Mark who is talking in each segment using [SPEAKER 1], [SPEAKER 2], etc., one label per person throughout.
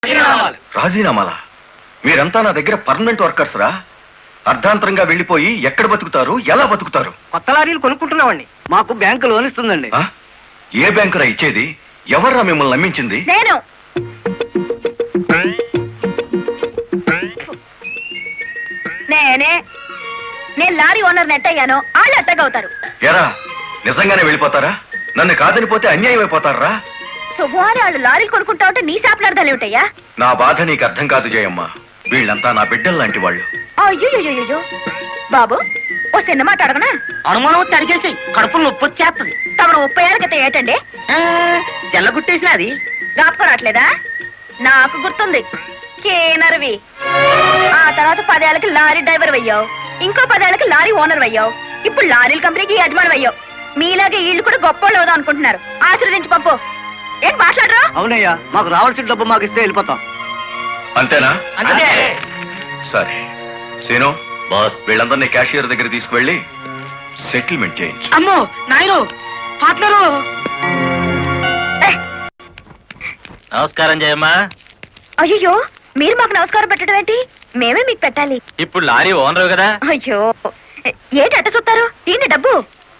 [SPEAKER 1] రాజీనామాలా? మీరంతా నా దగ్గర పర్మనెంట్ వర్కర్స్ రా. అర్ధాంతరంగా వెళ్ళిపోయి ఎక్కడ బతుకుతారు, ఎలా బతుకుతారు?
[SPEAKER 2] కొత్త లారీలు కొనుక్కుంటున్నామండి. మాకు బ్యాంకు లోన్ ఇస్తుందండి.
[SPEAKER 1] ఆ? ఏ బ్యాంకురా ఇచ్చేది? ఎవర్రా మిమ్మల్ని నమ్మించింది?
[SPEAKER 3] నేను నేనే నేను లారీ ఓనర్ నెట్ అయ్యాను. వాళ్ళు ఎట్టగవుతారు.
[SPEAKER 1] ఎరా నిజంగానే వెళ్ళిపోతారా? నన్ను కాదని పోతే అన్యాయం అయిపోతారా?
[SPEAKER 3] శుభవారి వాళ్ళు లారీలు కొనుక్కుంటా ఉంటే నీ శాపలార్థాలు ఏమిటయ్యా?
[SPEAKER 1] నా బాధ నీకు అర్థం కాదు జయమ్మ. వీళ్ళంతా నా బిడ్డలు లాంటి వాళ్ళు.
[SPEAKER 3] అయ్యో బాబు, ఓ చిన్న మాట అడగనా?
[SPEAKER 2] అనుమానం తరిగేసి కడుపులు నొప్పి వచ్చేస్తుంది.
[SPEAKER 3] తమను 30 ఏళ్ళ క్రితం ఏటండి
[SPEAKER 2] జల్లగుట్టేసిన అది
[SPEAKER 3] జ్ఞాపకం రావట్లేదా? నాకు గుర్తుంది. కేనర్వి. ఆ తర్వాత 10 ఏళ్ళకి లారీ డ్రైవర్ అయ్యావు. ఇంకో 10 ఏళ్ళకి లారీ ఓనర్ అయ్యావు. ఇప్పుడు లారీల కంపెనీకి యజమాని అయ్యావు. మీలాగే వీళ్ళు కూడా గొప్ప అవుదాం అనుకుంటున్నారు. ఆశీర్వదించి పంపు. ఏంటి మాట్లాడరా?
[SPEAKER 2] అవునయ్యా, మాకు రావాల్సిన డబ్బు మాకు ఇస్తే వెళ్ళిపోతాం.
[SPEAKER 1] అంతేనా?
[SPEAKER 2] అంతే.
[SPEAKER 1] సరే సీను బాస్, వీళ్ళందరినీ క్యాషియర్ దగ్గర తీసుకువెళ్ళి సెటిల్మెంట్ చేయించు.
[SPEAKER 2] అమ్మో నాయను పార్ట్నరు.
[SPEAKER 4] నమస్కారం జయమ్మ.
[SPEAKER 3] అయ్యో, మీరు మాకు నమస్కారం పెట్టడం ఏంటి? మేమే మీకు పెట్టాలి.
[SPEAKER 4] ఇప్పుడు లారీ ఓనరు కదా.
[SPEAKER 3] అయ్యో, ఏంటి అట్ట చూస్తారు? తీయండి డబ్బు.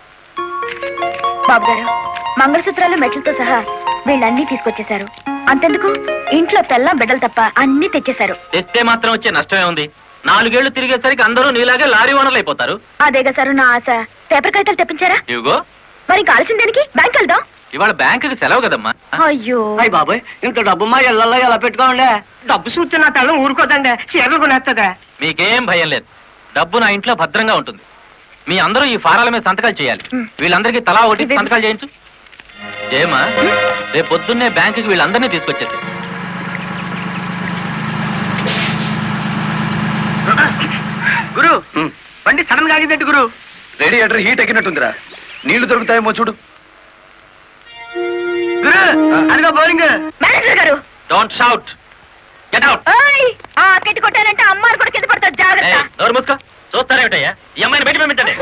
[SPEAKER 3] బాబు గారు, మంగళసూత్రాలు మెట్లతో సహా వీళ్ళన్నీ తీసుకొచ్చేశారు. అంతెందుకు, ఇంట్లో తెల్లం బిడ్డలు తప్ప అన్ని తెచ్చేశారు.
[SPEAKER 4] తెస్తే మాత్రం వచ్చే నష్టమే ఉంది. 4 ఏళ్లు తిరిగేసరికి అందరూ నీలాగే లారీ ఓనర్లు అయిపోతారు.
[SPEAKER 3] అదేగా సార్ నా ఆశ. పేపర్ కాగితాలు తెప్పించారా?
[SPEAKER 4] ఇవిగో.
[SPEAKER 3] మరి కాల్సిన దానికి బ్యాంక్ వెళ్దాం.
[SPEAKER 4] ఇవాళ బ్యాంకుకి సెలవు కదమ్మా.
[SPEAKER 3] అయ్యో
[SPEAKER 2] అయ్యి బాబాయ్, ఇంత డబ్బు మా ఇళ్లలో ఎలా పెట్టుకోండి? డబ్బు చూస్తే నా తెల్లం ఊరుకోదండి, చీరలు కొనేస్తుందా?
[SPEAKER 4] మీకేం భయం లేదు. డబ్బు నా ఇంట్లో భద్రంగా ఉంటుంది. మీ అందరూ ఈ ఫారాల మీద సంతకాలు చేయాలి. వీళ్ళందరికీ తలా ఒకటి సంతకాలు చేయించు. జయమ్మ, రేపు పొద్దున్నే బ్యాంకుకి వీళ్ళందరినీ తీసుకొచ్చేసి.
[SPEAKER 2] గురు, బండి సడన్ గా ఆగిందండి గురు.
[SPEAKER 1] Radiator heat ఎక్కినట్టుందిరా. నీళ్లు దొరుకుతాయేమో చూడు.
[SPEAKER 2] గురు, అదిగో బౌలింగ్.
[SPEAKER 3] మేనేజర్ గారు,
[SPEAKER 4] డోంట్ షౌట్. Get out.
[SPEAKER 3] ఓయ్, ఆ కెట్టి కొట్టారంటే అమ్మారు కూడా కింద పడతారు. జాగ్రత్త.
[SPEAKER 4] నోరు మూసుకో. చూస్తారేమిటయ్యా? ఈ అమ్మాయిని బయట పంపించండి.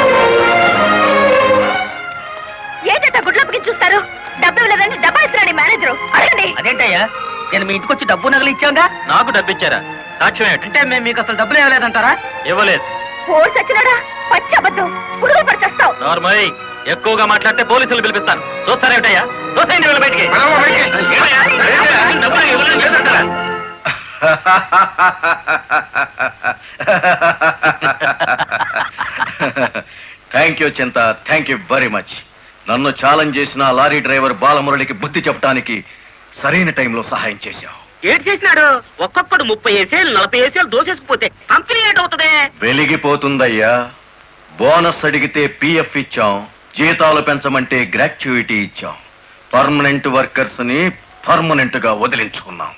[SPEAKER 3] ఏంటంటే గుడ్లప్పకి చూస్తారు? డబ్బు ఇవ్వలేదంటే డబ్బా ఇస్తున్నాడు మేనేజరు. అడగండి.
[SPEAKER 2] అదేంటయ్యా, నేను మీ ఇంటికి వచ్చి డబ్బు నగలు ఇచ్చాగా.
[SPEAKER 4] నాకు డబ్బు ఇచ్చారా? సాక్ష్యం ఏమిటి?
[SPEAKER 2] అంటే మేము మీకు అసలు డబ్బులు ఇవ్వలేదంటారా?
[SPEAKER 4] ఇవ్వలేదు.
[SPEAKER 3] పోలీసు వచ్చినాడా? పచ్చి అబద్ధం. పురుగులు పడిచేస్తావు.
[SPEAKER 4] నార్మల్. ఎక్కువగా మాట్లాడితే పోలీసులు పిలిపిస్తాను. చూస్తారేమిటయ్యా? చూస్తాయండి వీళ్ళ బయటికి. ఏమయ్యా? డబ్బులు ఇవ్వలేదు చేస్తారా?
[SPEAKER 1] Thank you Chinta, thank you very much. నన్ను ఛాలెంజ్ చేసిన లారీ డ్రైవర్ బాలమురళికి బుద్ధి చెప్పడానికి సరైన టైంలో సహాయం చేశావు.
[SPEAKER 2] ఏం చేసినాడు? ఒక్కొక్కడు 30 ఏసేలు 40 ఏసేలు దోసేసుకుపోతే కంపెనీ ఏటవుతుంది?
[SPEAKER 1] వెలిగిపోతుందయ్యా. బోనస్ అడిగితే పిఎఫ్ ఇచ్చాం, జీతాలు పెంచమంటే గ్రాట్యుయిటీ ఇచ్చాం. పర్మనెంట్ వర్కర్స్ ని పర్మనెంట్ గా వదిలించుకున్నాం.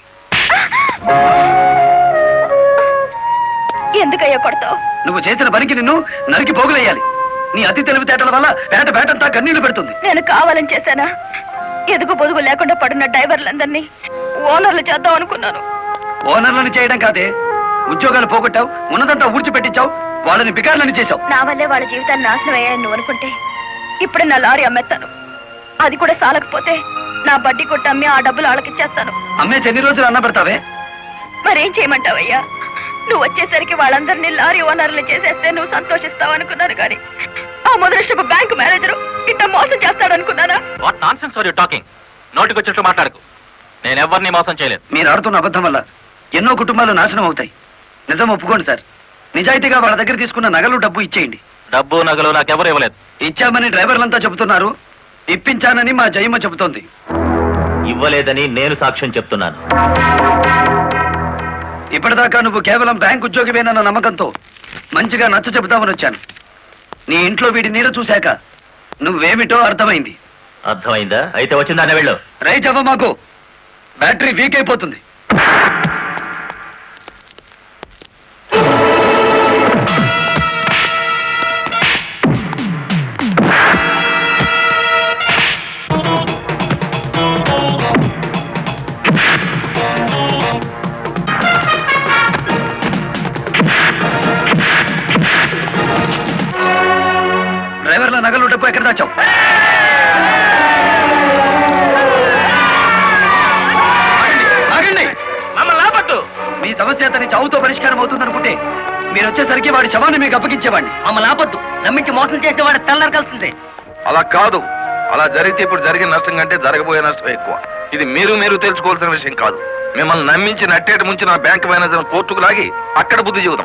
[SPEAKER 3] ఎందుకయ్యా కొడతావు?
[SPEAKER 2] నువ్వు చేసిన పనికి నిన్ను నరికి పోగులేయాలి. నీ అతి తెలివితేటల వల్ల బేటంతా కన్నీళ్లు పెడుతుంది.
[SPEAKER 3] నేను కావాలని చేశానా? ఎదుగు పొదుగు లేకుండా పడున్న డ్రైవర్లందరినీ ఓనర్లు చేద్దాం అనుకున్నాను.
[SPEAKER 2] ఓనర్లను చేయడం కాదే, ఉద్యోగాలు పోగొట్టావు, ఉన్నదంతా ఊడ్చిపెట్టించావు, వాళ్ళని బికార్లని చేశావు.
[SPEAKER 3] నా వల్లే వాళ్ళ జీవితాన్ని నాశనం అయ్యాయని నువ్వు అనుకుంటే ఇప్పుడు నా లారీ అమ్మేస్తాను. అది కూడా సాలకపోతే నా బడ్డీ కొట్టి అమ్మి ఆ డబ్బులు వాళ్ళకిచ్చేస్తాను.
[SPEAKER 2] అమ్మేసి ఎన్ని రోజులు అన్న పెడతావే?
[SPEAKER 3] మరేం చేయమంటావయ్యా? నువ్వు వచ్చేసరికి వాళ్ళందరినీ లారీ ఓనర్లు చేసేస్తే నువ్వు సంతోషిస్తావు అనుకున్నాను, కానీ ఆ మొదలష్టపు బ్యాంకు మేనేజరు ఇట్లా మోసం చేస్తాడనుకున్నానా?
[SPEAKER 4] What nonsense are you talking? నోటికొచ్చినట్టు మాట్లాడకు. నేను ఎవరిని మోసం చేయలేదు.
[SPEAKER 2] మీరు ఆడుతున్న అబద్ధం వల్ల ఎన్నో కుటుంబాలు నాశనం అవుతాయి. నిజం ఒప్పుకోండి సార్. నిజాయితీగా వాళ్ళ దగ్గర తీసుకున్న నగలు డబ్బు ఇచ్చేయండి.
[SPEAKER 4] డబ్బు నగలు నాకెవరు ఇవ్వలేదు.
[SPEAKER 2] ఇచ్చామని డ్రైవర్లంతా చెబుతున్నారు, ఇప్పించానని మా జయమ్మ చెబుతోంది.
[SPEAKER 4] ఇవ్వలేదని నేను సాక్ష్యం చెప్తున్నాను.
[SPEAKER 2] ఇప్పటిదాకా నువ్వు కేవలం బ్యాంక్ ఉద్యోగివేనన్న నమ్మకంతో మంచిగా నచ్చ చెబుతామని వచ్చాను. నీ ఇంట్లో వీడి నీడ చూశాక నువ్వేమిటో అర్థమైంది.
[SPEAKER 4] అర్థమైందా? అయితే వచ్చిందానే వెళ్ళు.
[SPEAKER 2] రైట్ అవ్వ, మాకు బ్యాటరీ వీక్ అయిపోతుంది. డ్రైవర్ల నగలు డబ్బు ఎక్కడ దాచావు? ఆగండి. ఈ సమస్య అతని చావుతో పరిష్కారం అవుతుందనుకుంటే మీరు వచ్చేసరికి వాడి శవాన్ని మీకు అప్పగించేవాడిని.
[SPEAKER 5] మమ్మల్ని ఆపొద్దు. నమ్మించి మోసం చేసే వాడు తెల్లరకాల్సిందే.
[SPEAKER 6] అలా కాదు. అలా జరిగితే ఇప్పుడు జరిగిన నష్టం కంటే జరగబోయే నష్టం ఎక్కువ. ఇది మీరు తెలుసుకోవాల్సిన విషయం కాదు. మిమ్మల్ని నమ్మించి నట్టేటి ముంచి నా బ్యాంక్ మేనేజర్ కోర్టుకు లాగి అక్కడ బుద్ధి చెబుతాం.